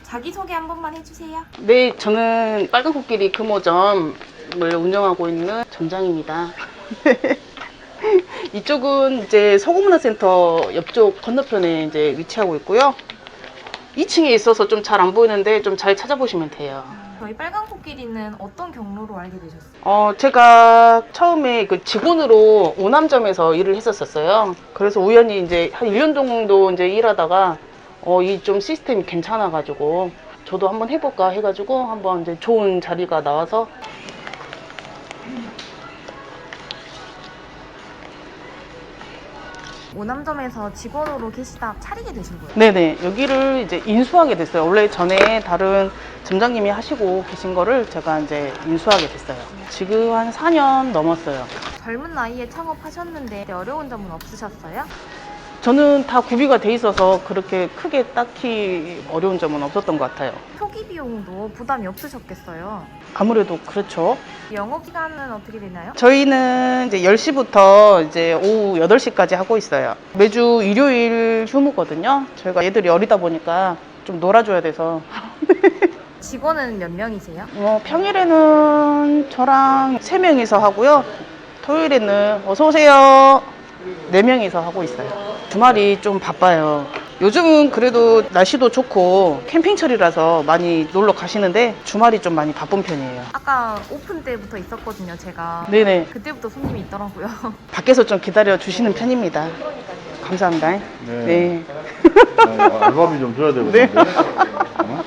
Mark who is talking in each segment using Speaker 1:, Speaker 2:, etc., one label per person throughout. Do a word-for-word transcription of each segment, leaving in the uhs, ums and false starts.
Speaker 1: 자기소개 한 번만 해주세요.
Speaker 2: 네, 저는 빨간 코끼리 금호점을 운영하고 있는 점장입니다. 이쪽은 이제 서구문화센터 옆쪽 건너편에 이제 위치하고 있고요. 이 층에 있어서 좀 잘 안 보이는데 좀 잘 찾아보시면 돼요.
Speaker 1: 저희 빨간 코끼리는 어떤 경로로 알게 되셨어요?
Speaker 2: 어, 제가 처음에 그 직원으로 오남점에서 일을 했었어요. 그래서 우연히 이제 한 일 년 정도 이제 일하다가 어, 이 좀 시스템이 괜찮아가지고 저도 한번 해볼까 해가지고 한번 이제 좋은 자리가 나와서
Speaker 1: 오남점에서 직원으로 계시다 차리게 되신 거예요?
Speaker 2: 네네, 여기를 이제 인수하게 됐어요. 원래 전에 다른 점장님이 하시고 계신 거를 제가 이제 인수하게 됐어요. 지금 한 사 년 넘었어요.
Speaker 1: 젊은 나이에 창업하셨는데 어려운 점은 없으셨어요?
Speaker 2: 저는 다 구비가 돼 있어서 그렇게 크게 딱히 어려운 점은 없었던 것 같아요.
Speaker 1: 초기 비용도 부담이 없으셨겠어요?
Speaker 2: 아무래도 그렇죠.
Speaker 1: 영업기간은 어떻게 되나요?
Speaker 2: 저희는 이제 열 시부터 이제 오후 여덟 시까지 하고 있어요. 매주 일요일 휴무거든요. 저희가 애들이 어리다 보니까 좀 놀아줘야 돼서.
Speaker 1: 직원은 몇 명이세요?
Speaker 2: 어, 평일에는 저랑 세 명이서 하고요. 토요일에는 어서 오세요. 네 명이서 하고 있어요. 주말이 좀 바빠요. 요즘은 그래도 날씨도 좋고 캠핑철이라서 많이 놀러 가시는데 주말이 좀 많이 바쁜 편이에요.
Speaker 1: 아까 오픈 때부터 있었거든요, 제가.
Speaker 2: 네네.
Speaker 1: 그때부터 손님이 있더라고요.
Speaker 2: 밖에서 좀 기다려 주시는 편입니다. 감사합니다.
Speaker 3: 네.
Speaker 2: 네.
Speaker 3: 아, 알바비 좀 줘야 되거든요. 어?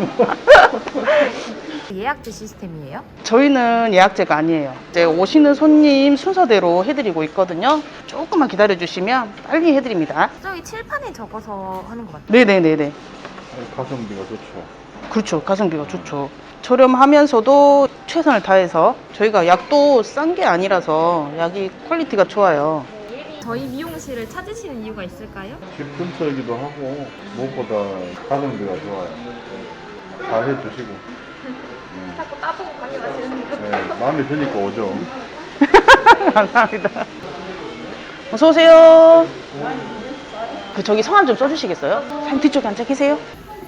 Speaker 1: 예약제 시스템이에요?
Speaker 2: 저희는 예약제가 아니에요. 이제 오시는 손님 순서대로 해드리고 있거든요. 조금만 기다려 주시면 빨리 해드립니다.
Speaker 1: 저기 칠판에 적어서 하는 것 같아요.
Speaker 2: 네네네네.
Speaker 3: 가성비가 좋죠.
Speaker 2: 그렇죠. 가성비가 좋죠. 저렴하면서도 최선을 다해서 저희가 약도 싼 게 아니라서 약이 퀄리티가 좋아요.
Speaker 1: 저희 미용실을 찾으시는 이유가 있을까요?
Speaker 3: 집 근처이기도 하고 무엇보다 가성비가 좋아요. 잘 해주시고.
Speaker 1: 자꾸 따보고 가게 마시는데요.
Speaker 3: 네, 마음에 드니까 오죠.
Speaker 2: 감사합니다. 어서 오세요. 그 저기 성함 좀 써주시겠어요? 사장님 뒤쪽에 앉아 계세요.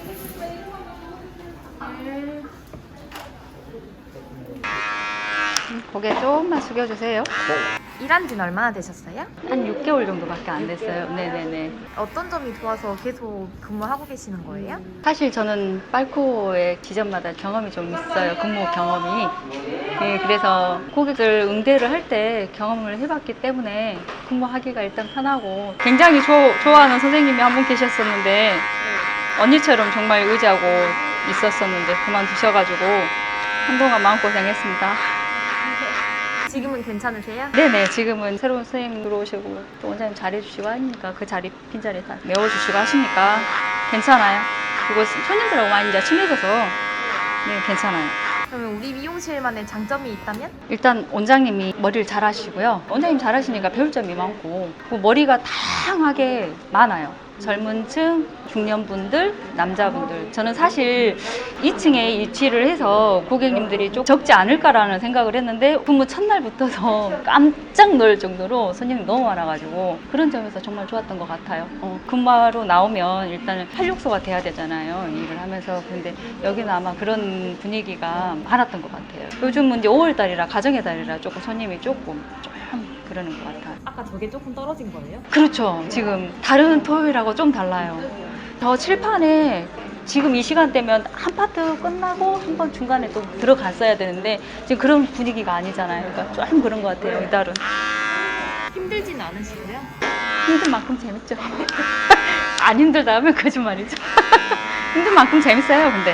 Speaker 4: 고개 조금만 숙여주세요.
Speaker 1: 일한 지는 얼마나 되셨어요?
Speaker 4: 한 육 개월 정도밖에 안 됐어요. 네네네.
Speaker 1: 어떤 점이 좋아서 계속 근무하고 계시는 거예요?
Speaker 4: 사실 저는 빨코의 기점마다 경험이 좀 있어요. 근무 경험이. 네, 그래서 고객들 응대를 할 때 경험을 해봤기 때문에 근무하기가 일단 편하고 굉장히 조, 좋아하는 선생님이 한 분 계셨었는데 언니처럼 정말 의지하고 있었었는데 그만두셔가지고 한동안 마음고생했습니다.
Speaker 1: 지금은 괜찮으세요?
Speaker 4: 네네, 지금은 새로운 선생님 들어오시고 또 원장님 잘해주시고 하니까 그 자리, 빈자리 다 메워주시고 하시니까 괜찮아요. 그리고 손님들하고 많이 이제 친해져서 네, 괜찮아요.
Speaker 1: 그러면 우리 미용실만의 장점이 있다면?
Speaker 4: 일단 원장님이 머리를 잘 하시고요. 원장님 잘 하시니까 배울 점이 많고 그 머리가 다양하게 많아요. 젊은 층, 중년분들, 남자분들. 저는 사실 이 층에 위치를 해서 고객님들이 좀 적지 않을까라는 생각을 했는데 근무 첫날부터도 깜짝 놀랄 정도로 손님이 너무 많아가지고 그런 점에서 정말 좋았던 것 같아요. 어, 근무하러 나오면 일단은 활력소가 돼야 되잖아요. 일을 하면서. 근데 여기는 아마 그런 분위기가 많았던 것 같아요. 요즘은 이제 오월 달이라 가정의 달이라 조금 손님이 조금 좀 그러는 것 같아요.
Speaker 1: 아까 저게 조금 떨어진 거예요?
Speaker 4: 그렇죠. 지금 다른 토요일하고 좀 달라요. 저 칠판에 지금 이 시간대면 한 파트 끝나고 한 번 중간에 또 들어갔어야 되는데 지금 그런 분위기가 아니잖아요. 그러니까 좀 그런 것 같아요, 이달은.
Speaker 1: 힘들진 않으시고요?
Speaker 4: 힘든 만큼 재밌죠. 안 힘들다 하면 거짓말이죠. 힘든 만큼 재밌어요, 근데.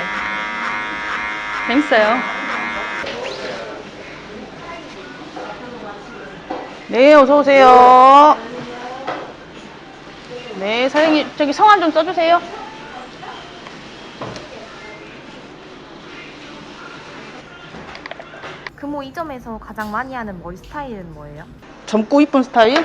Speaker 4: 재밌어요.
Speaker 2: 네, 어서 오세요. 네, 사장님 저기 성함 좀 써주세요.
Speaker 1: 금호 이 점에서 가장 많이 하는 머리 스타일은 뭐예요?
Speaker 2: 젊고 이쁜 스타일?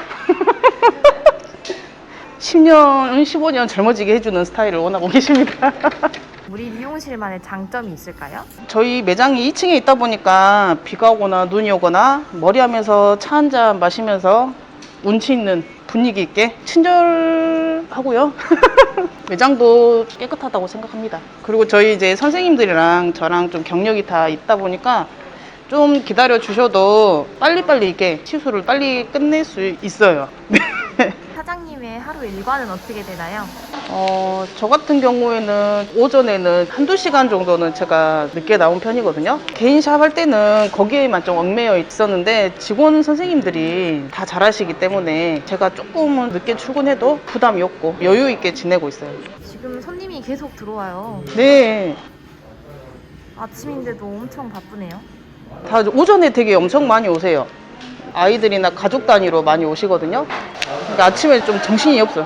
Speaker 2: 십 년, 십오 년 젊어지게 해주는 스타일을 원하고 계십니다.
Speaker 1: 우리 미용실만의 장점이 있을까요?
Speaker 2: 저희 매장이 이 층에 있다 보니까 비가 오거나 눈이 오거나 머리하면서 차 한 잔 마시면서 운치 있는 분위기 있게 친절하고요. 매장도 깨끗하다고 생각합니다. 그리고 저희 이제 선생님들이랑 저랑 좀 경력이 다 있다 보니까 좀 기다려 주셔도 빨리빨리 이렇게 시술을 빨리 끝낼 수 있어요.
Speaker 1: 사장님의 하루 일과는 어떻게 되나요?
Speaker 2: 어, 저 같은 경우에는 오전에는 한두 시간 정도는 제가 늦게 나온 편이거든요. 개인 샵 할 때는 거기에만 좀 얽매여 있었는데 직원 선생님들이 다 잘하시기 때문에 제가 조금은 늦게 출근해도 부담이 없고 여유 있게 지내고 있어요.
Speaker 1: 지금 손님이 계속 들어와요.
Speaker 2: 네.
Speaker 1: 아침인데도 엄청 바쁘네요.
Speaker 2: 다 오전에 되게 엄청 많이 오세요. 아이들이나 가족 단위로 많이 오시거든요. 그러니까 아침에 좀 정신이 없어요.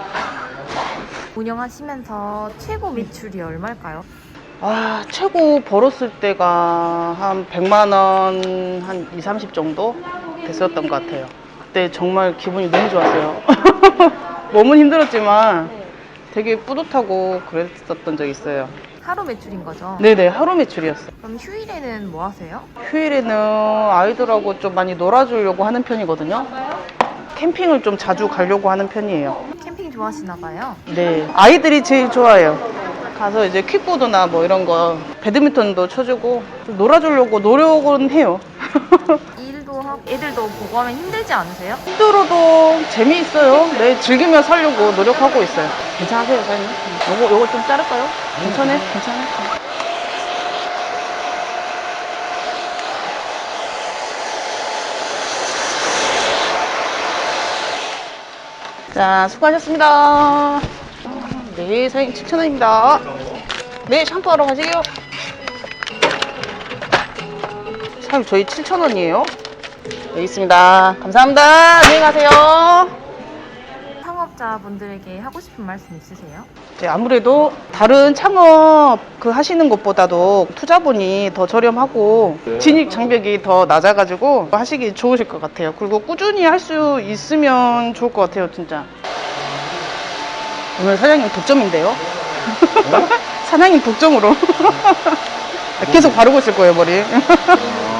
Speaker 1: 운영하시면서 최고 매출이 얼마일까요?
Speaker 2: 아, 최고 벌었을 때가 한 백만 원, 한 이, 삼십 정도 됐었던 것 같아요. 그때 정말 기분이 너무 좋았어요. 몸은 힘들었지만 되게 뿌듯하고 그랬었던 적이 있어요.
Speaker 1: 하루 매출인 거죠?
Speaker 2: 네네, 하루 매출이었어요.
Speaker 1: 그럼 휴일에는 뭐 하세요?
Speaker 2: 휴일에는 아이들하고 좀 많이 놀아주려고 하는 편이거든요. 캠핑을 좀 자주 가려고 하는 편이에요.
Speaker 1: 캠핑 좋아하시나 봐요.
Speaker 2: 네, 아이들이 제일 좋아해요. 가서 이제 킥보드나 뭐 이런 거, 배드민턴도 쳐주고 좀 놀아주려고 노력은 해요.
Speaker 1: 일도 하고 애들도 보고 하면 힘들지 않으세요?
Speaker 2: 힘들어도 재미있어요. 네, 즐기며 살려고 노력하고 있어요. 괜찮으세요, 사장님? 요거, 요거 좀 자를까요? 괜찮아요? 괜찮아요? 자, 수고하셨습니다. 네, 사장님 칠천 원입니다. 네, 샴푸하러 가세요. 사장님, 저희 칠천 원이에요. 여기 있습니다. 감사합니다. 안녕히 가세요.
Speaker 1: 창업자분들에게 하고 싶은 말씀 있으세요?
Speaker 2: 이제 아무래도 다른 창업 그 하시는 것보다도 투자분이 더 저렴하고 진입 장벽이 더 낮아가지고 하시기 좋으실 것 같아요. 그리고 꾸준히 할 수 있으면 좋을 것 같아요, 진짜. 오늘 사장님 독점인데요? 사장님 독점으로. 계속 바르고 있을 거예요, 머리.